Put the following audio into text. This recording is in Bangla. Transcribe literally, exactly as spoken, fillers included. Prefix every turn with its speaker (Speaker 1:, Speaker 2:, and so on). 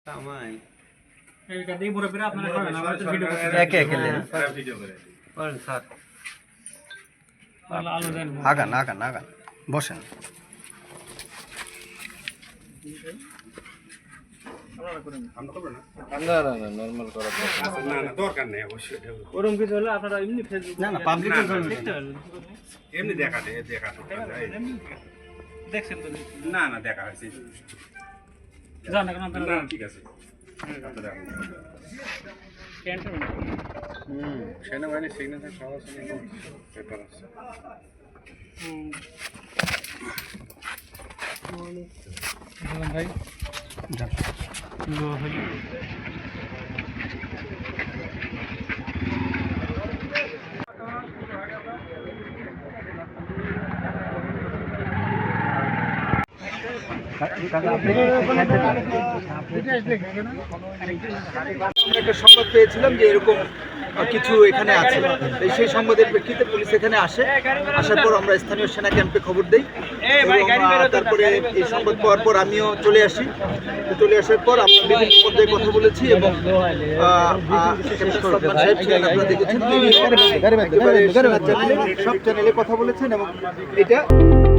Speaker 1: আগান আগান আগান বসেন।
Speaker 2: না না না নরমাল করা
Speaker 3: না না দরকার নেই অবশ্যই
Speaker 2: ওরকম কিছু হলে আপনারা এমনি ফেসবুক
Speaker 1: না না পাবলিক
Speaker 3: এমনি দেখা যায় দেখা
Speaker 2: দেখছেন তো
Speaker 3: না না দেখা হয়েছে
Speaker 2: জান না কেন
Speaker 3: না ঠিক আছে হুম সেনাবাহিনী সিগনেচার সহ আছে পেপার আছে
Speaker 2: ভাই
Speaker 1: একটা সংবাদ পেয়েছিলাম যে এরকম কিছু এখানে আছে, সেই সংবাদের প্রেক্ষিতে পুলিশ এখানে আসে। আসার পর আমরা স্থানীয় সেনা ক্যাম্পে খবর দিই এবং তারপরে এই সংবাদ পাওয়ার পর আমিও চলে আসি। চলে আসার পর আমরা বিভিন্ন পর্যায়ে কথা বলেছি এবং আপনারা দেখেছেন সব চ্যানেলে কথা বলেছেন এবং এটা